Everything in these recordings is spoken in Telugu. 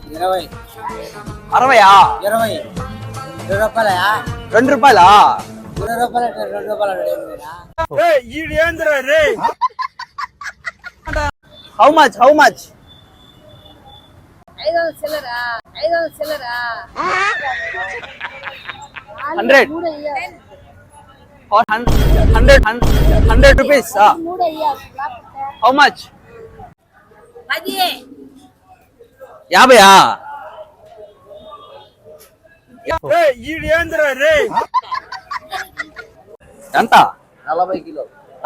20. 60. 20. 2 రూపాయలయా? 2 రూపాయలా? 20 రూపాయలు 2 రూపాయలు హౌ మచ్? 500 చిల్లరా 100 100 రూపీస్. How much? 10. 50. ఎంత? 40 కిలో.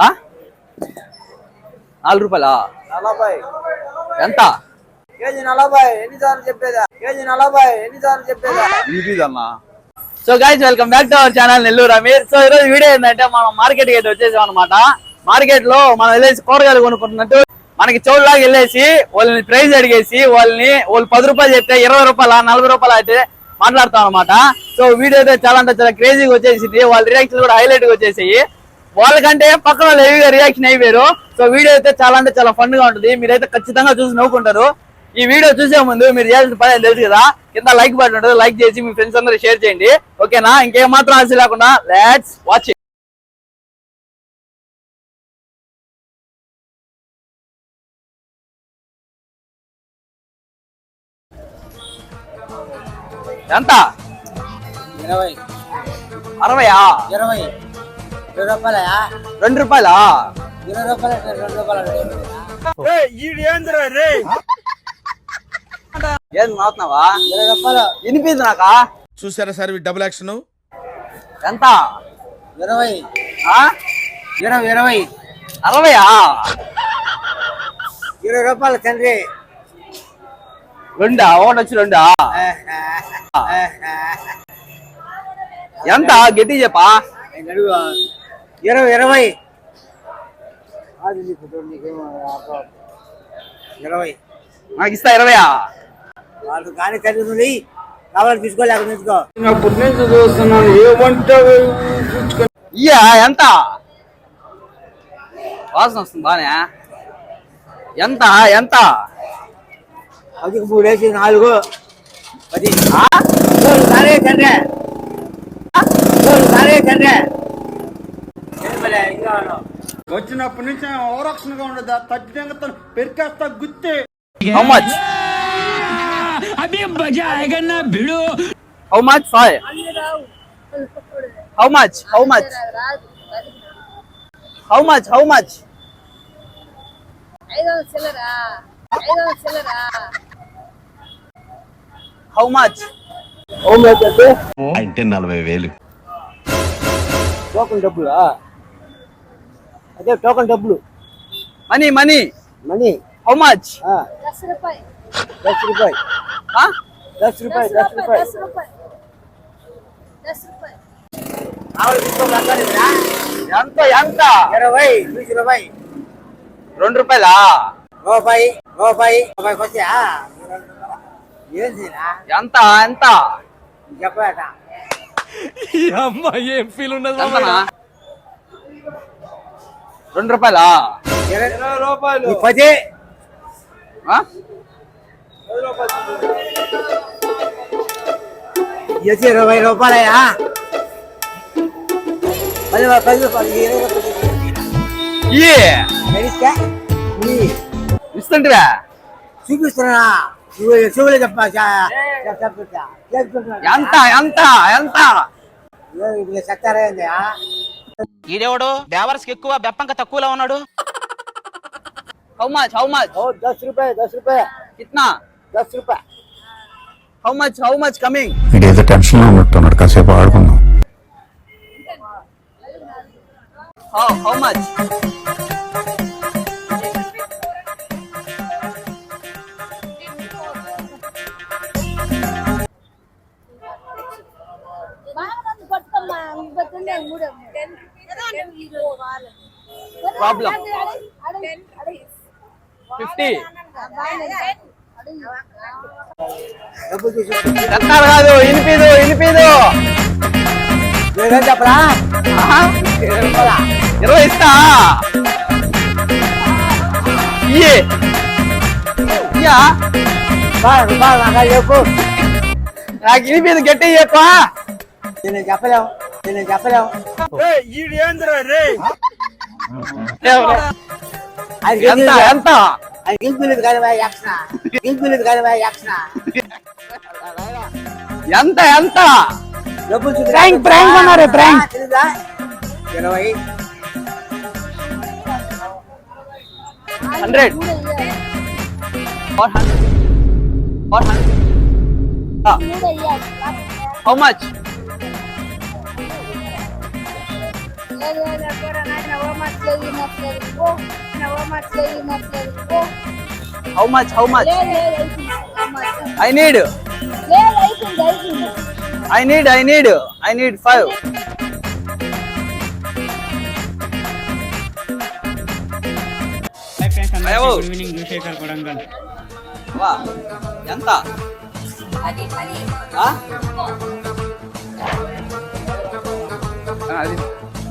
4 రూపాయలా? 40. ఎంత? కేజీ 40. ఎన్నిసార్లు చెప్పేదా? కేజీ 40. ఎన్నిసార్లు చెప్పేదా? ఇదిదమ్మా. So guys, welcome back to our channel Nellore Ameer. సో ఈరోజు వీడియో ఏంటంటే మనం మార్కెట్ అయితే వచ్చేసాం అనమాట. మార్కెట్ లో మనం వెళ్ళేసి కూరగాయలు కొనుక్కుంటున్నట్టు మనకి చోటులాగా వెళ్ళేసి వాళ్ళని ప్రైస్ అడిగేసి వాళ్ళు 10 రూపాయలు చెప్తే 20 రూపాయల 40 రూపాయలు అయితే మాట్లాడతాం అనమాట. సో వీడియో అయితే చాలా అంటే చాలా క్రేజీగా వచ్చేసింది. వాళ్ళ రియాక్షన్ కూడా హైలైట్ గా వచ్చేసాయి. వాళ్ళకంటే పక్కన వాళ్ళు హెవీగా రియాక్షన్ అయిపోయారు. సో వీడియో అయితే చాలా అంటే చాలా ఫన్ గా ఉంటుంది. మీరైతే ఖచ్చితంగా చూసి నవ్వుకుంటారు. ఈ వీడియో చూసే ముందు మీరు చేయాల్సిన పని తెలుసు కదా, కింద లైక్ బటన్ ఉంటుంది, లైక్ చేసి మీ ఫ్రెండ్స్ అందరూ షేర్ చేయండి. ఓకేనా? ఇంకేం మాత్రం ఆశ లేకుండా లెట్స్ వాచ్. ఎంత? 20. 60. 20. 2 రూపాయలయా? 2 రూపాయలా? 20 రూపాయలు 2 రూపాయలు ఏం మాట్లాడుతున్నావా? 20 రూపాయలు. వినిపించు నాకా? చూసారా సార్ డబుల్ యాక్షన్. ఎంత? 20. 20. 60. 20 రూపాయలు తండ్రి. 2 ఒకటి వచ్చి 2. ఎంత? గట్టి చెప్పా. 20. 20. 20. నాకు ఇస్తా 20. వాళ్ళు కానీ చదువుతుంది కావాలని తీసుకోలేక తీసుకో. ఇయ్యా ఎంత? వాసన వస్తుంది బానే. ఎంత? అది 3 వేసి 4. 10. సరే తండ్రి. వచ్చినప్పటి నుంచి అవరక్షణగా ఉండదు. తగ్గితే పెరికేస్తా గుత్తే. How much? How much? 5. How much? 500 చిల్లరా హౌ మచ్? అంటే 40,000. టోకన్ డబ్బులా? అదే టోకన్ డబ్బులు. మనీ. How much? 10 రూపాయలు. 10 రూపాయలు. 10 రూపాయలు. 10 రూపాయలు. 10 రూపాయలు. కావాలి తీసుకోలేక ఎంత? 20. 20 రూపాయలు. 2 రూపాయలా? రూపాయి వచ్చా? ఏం చేయనా? ఎంత? చెప్పాట ఏం ఫీల్ ఉన్నది? ఎంతనా? 2 రూపాయలా? 20 రూపాయలు. 10. 20 రూపాయలయా? 10 రూపాయలు. 20 రూపాయలు. ఇస్తుంటివా? చూపిస్తున్నా. చెవులే చెప్పా. ఎంత? చెప్తారా? ఈడేవాడు బేవర్స్కి ఎక్కువ బెప్పంక తక్కువలో ఉన్నాడు. How much? 10 రూపాయలు. 10 రూపాయలు. కిतना? 10 రూపాయలు. How much coming? ఇదేదో టెన్షన్ లో ఉన్నట్టున్నాడు. కాసేపు ఆడుకుందాం. How much? ప్రాబ్లం 50. చెప్తారు కాదు, ఇనిపిదు. చెప్పరా? 20 ఇస్తా. ఇయ్యా రూపాయలు నాకు చెప్పు. నాకు ఇది మీద గట్టి చెప్ప. నేను చెప్పలేము. ఎంత ఎంత గింపులేదు కానీ ఎంత ఎంత డబ్బులు ప్రాంక్ అన్నారు prank. 20. 100 400 how much? How much? I need 5. వా, ఎంత? ఆ? అది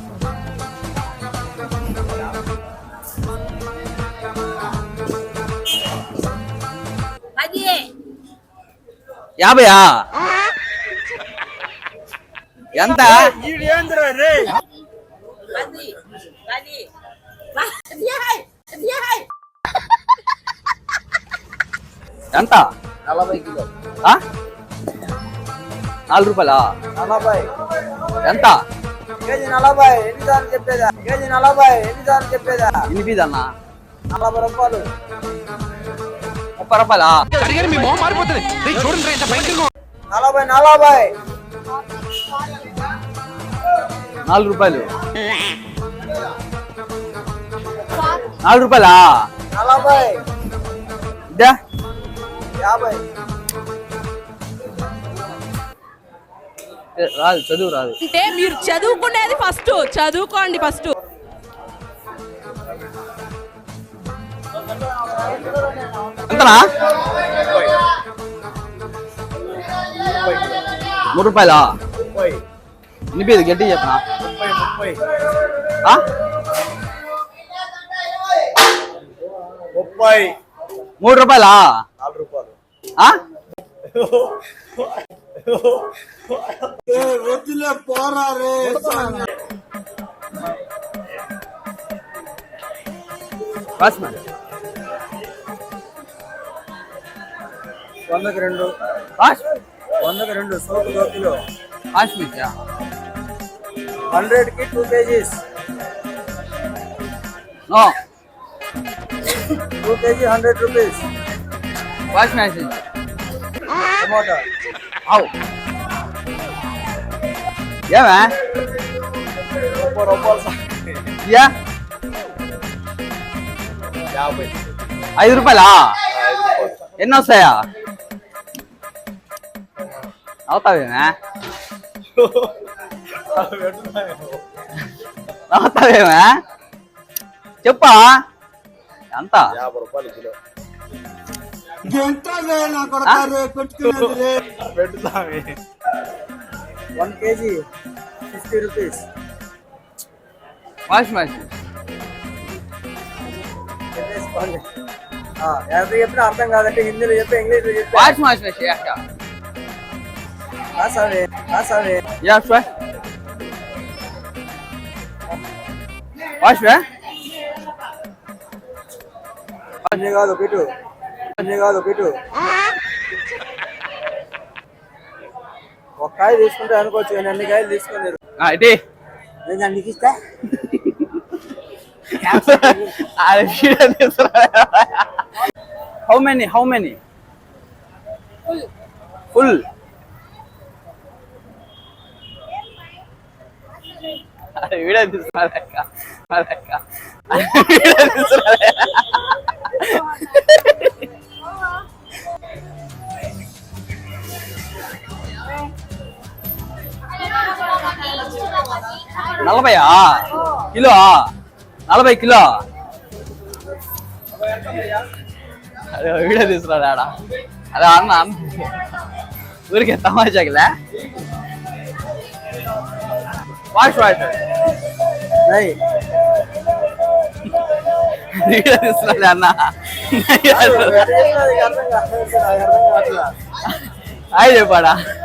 అది 50. ఎంత? ఎంత? 40 కిలో. ఆ? 4 రూపాయలా? 40. ఎంత? కేజీ 40. ఎన్నిసార్లు చెప్పేదా? కేజీ 40. ఎన్నిసార్లు చెప్పేదా? ఇనిపిదన్నా 40 రూపాయలు. 30 రూపాయలా? 40. 4 రూపాయలు. 4 రూపాయలా? 40. ఇద్దా 50. రాదు, చదువు రాదు. అంటే మీరు చదువుకునేది ఫస్ట్ చదువుకోండి ఫస్ట్. ఎంతనా? 3 రూపాయలా? ఇనిపిది గట్టి చెప్పనా? 3 రూపాయలా? 4 రూపాయలు. వద్దులే పోరా రే. వాచ్మెన్ 100కి 2. 100కి 2 సోపు 2 కిలో. వాచ్మెన్ 100కి 2 kgs. No 2 kg 100 rupees. Watchman tomato అవు ఏమే 30 రూపాయలు. యా 50. 5 రూపాయలా? ఎన్ని వస్తాయా? అవుతావేమే? అవుతావేమే? చెప్పా ఎంత? 50 రూపాయలు కిలో. పెట్టుతామే. 1 kg 50 rupees. వాష్ మెషిన్ చెప్పేసుకోండి. ఎంత చెప్పినా అర్థం కాదంటే హిందీలో చెప్పి ఇంగ్లీష్లో చెప్పి. వాష్ మెషిన్ రాసావే. యా సార్ వాష్ వే అన్నీ కాదు పెట్టు. ఒక కాయ తీసుకుంటే అనుకోవచ్చు కానీ అన్ని కాయలు తీసుకున్నారు. ఇది నేను నీకు ఇస్తా. How many full? అరే వీడియో తీసుకున్నా నలభయా కిలో? 40 కిలో? అదే వీడియో తీసుకున్నాడు ఆడ. అదే అన్న ఊరికే తమాషాకిలే. వాష్ नहीं వీడియో తీస్తున్నాడు అన్న హాయ్ చెప్పాడా